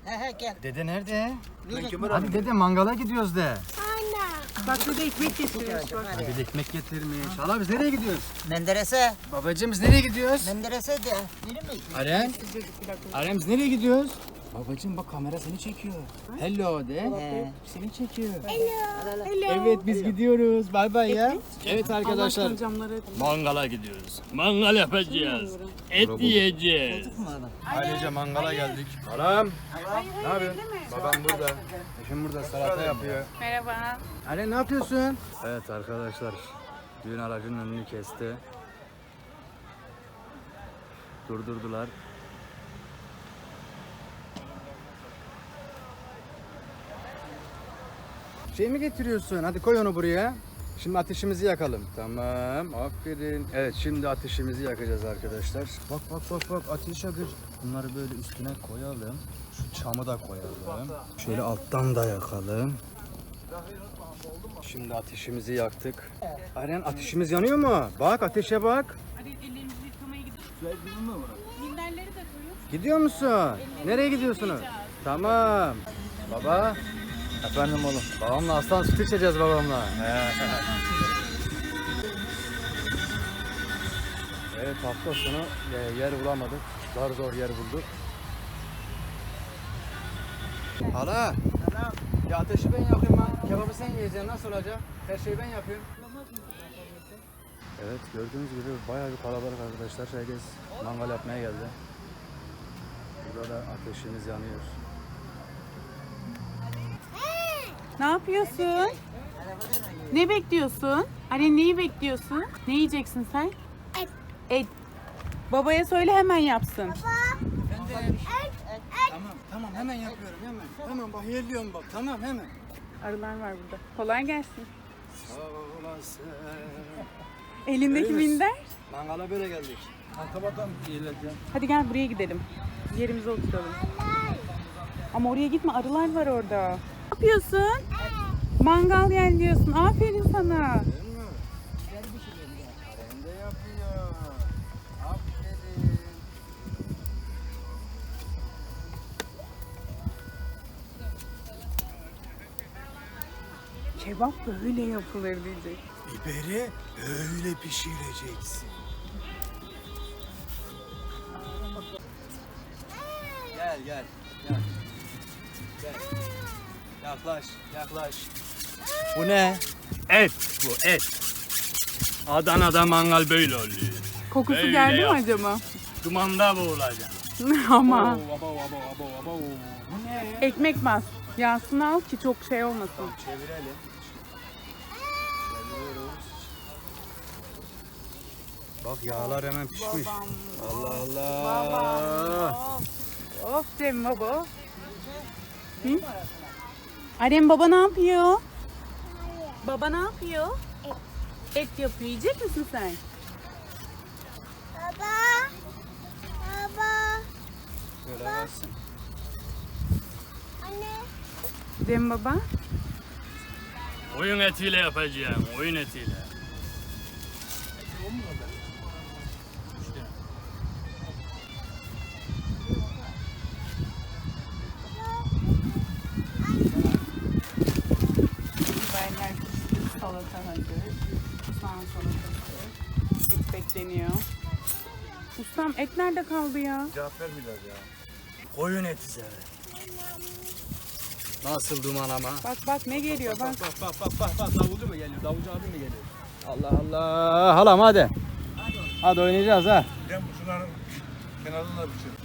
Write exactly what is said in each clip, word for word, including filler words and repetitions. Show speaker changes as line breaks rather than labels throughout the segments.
He he gel.
Dede nerede?
Yürü.
Hadi dede mangala gidiyoruz de.
Bak burada ekmek getiriyoruz bak.
Hadi de ekmek getirmiş. Hala biz nereye gidiyoruz?
Menderes'e.
Babacığım biz nereye gidiyoruz?
Menderes'e de. Yürü mü?
Aren. Aren biz nereye gidiyoruz? Babacığım bak kamera seni çekiyor. Hello de.
He.
Seni çekiyor.
Hello.
Evet biz gidiyoruz. Bay bay ya. Evet
Allah
arkadaşlar.
aşkına camları
Mangala gidiyoruz. Mangal yapacağız. Et yiyeceğiz.
Ailece mangala geldik. Halam. Ne yapıyorsun? Babam burada. Eşim burada salata yapıyor.
Merhaba.
Aren ne yapıyorsun? Evet arkadaşlar. Düğün aracının önünü kesti. Durdurdular. Şey mi getiriyorsun? Hadi koy onu buraya. Şimdi ateşimizi yakalım. Tamam, aferin. Evet, şimdi ateşimizi yakacağız arkadaşlar. Bak bak bak bak ateş yakıyor. Bunları böyle üstüne koyalım. Şu çamı da koyalım. Şöyle alttan da yakalım. Şimdi ateşimizi yaktık. Aren ateşimiz yanıyor mu? Bak ateşe bak.
Hadi ellerimizi yıkamaya gidiyoruz. Minderleri de koyuyoruz.
Gidiyor musun? Nereye gidiyorsunuz? Tamam. Baba. Efendim oğlum. Babamla aslan süt içeceğiz babamla. Evet hafta sonu e, yer bulamadık. Zar zor yer bulduk. Hala. Ya ateşi ben yakayım ben. Kebabı sen yiyeceksin. Nasıl olacak? Her şeyi ben yapıyorum. Evet gördüğünüz gibi bayağı bir kalabalık arkadaşlar. Herkes mangal yapmaya geldi. Burada da ateşimiz yanıyor.
Ne yapıyorsun? Ne bekliyorsun? Anne neyi bekliyorsun? Ne yiyeceksin sen? Et. Et. Babaya söyle hemen yapsın.
Tamam tamam hemen yapıyorum hemen. Tamam bak yerliyorum bak tamam hemen.
Arılar var burada. Kolay gelsin.
Sağ olasın.
Elindeki
Öyle mi?
minder.
Mangala böyle geldik. Antabadan iyiledim.
Hadi gel buraya gidelim. Yerimize oturalım. Ama oraya gitme, arılar var orada. Ne yapıyorsun? Mangal gel diyorsun. Aferin sana.
Değil mi? Aren de yapıyor. Aferin.
Kebap böyle yapılır diyecek.
Biberi öyle pişireceksin. Gel gel gel. Gel. Yaklaş yaklaş. Bu ne?
Et bu et. Adana'da mangal böyle oluyor.
Kokusu
Öyle
geldi mi
yap.
acaba?
Dumanda boğulacak.
Ama
Abo abo abo abo. Bu ne?
ekmek bas. Yağsını al ki çok şey olmasın.
Çevirelim. Çeviriyoruz. Bak yağlar hemen pişmiş. Allah Allah.
Of, of Cem baba. Hı? Arem baba ne yapıyor? Baba ne yapıyor? Et. Et yapıyor. Yiyecek misin sen?
Baba. Baba.
Şöyle bassın.
Anne.
Cem baba.
Oyun etiyle yapacağım. Oyun etiyle.
Biberler pişti, salata hazır. Soğan salatası. Et bekleniyor. Ustam et nerede kaldı ya?
Cevap ver biraz ya. Koyun eti sever. Nasıl duman ama?
Bak bak ne geliyor bak.
Bak bak bak bak bak davulcu mu geliyor? Davulcu abi mi geliyor? Allah Allah. Halam hadi. Hadi oynayacağız ha.
Ben şunların kenarında bir şey.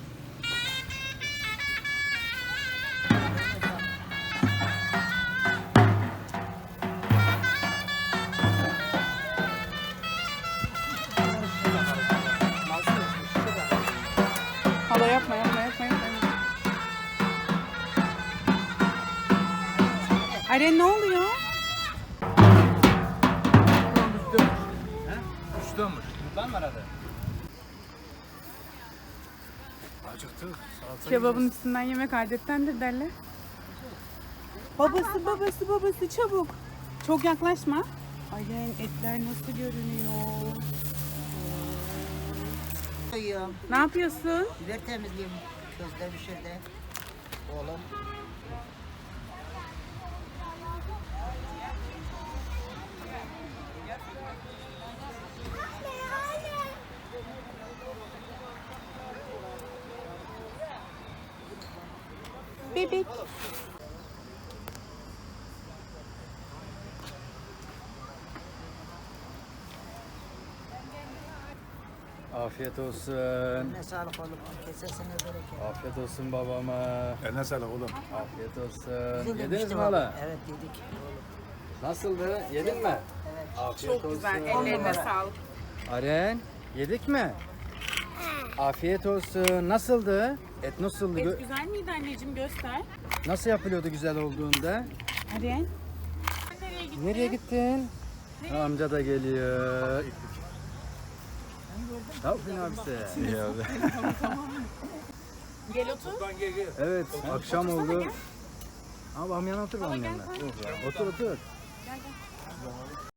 Hala yapma yapma yapma yapma. Aren ne oluyor?
Düştü mü? Buradan mı aradı? Acıktı. Salata
Kebabın üstünden yemek adettendir derler. Babası babası babası çabuk. Çok yaklaşma. Aren etler nasıl görünüyor?
Koyuyorum.
Ne yapıyorsun?
Biber temizliyorum. Közde bir şeyde. Oğlum.
Bebek.
Afiyet olsun.
Ne sağlık oğlum. Kesesine bereket.
Afiyet olsun babama.
Eline sağlık oğlum.
Afiyet olsun.
Güzel
Yediniz
demiştim
mi
abi.
hala?
Evet yedik.
Nasıldı? Yedin mi?
Evet.
Afiyet
Çok güzel.
olsun.
Ellerine
numara.
sağlık.
Aren, yedik mi? Afiyet olsun. Nasıldı? Et nasıldı?
Et
Gö-
güzel miydi anneciğim? Göster.
Nasıl yapılıyordu güzel olduğunda?
Aren. Nereye gittin?
Nereye gittin? Ha, amca da geliyor. Ne yapıyorsun abisi? İyi abi.
Gel otur.
Evet, akşam oldu. Abi amyan otur
Baba
benim
gel
yanına.
sen.
Otur otur.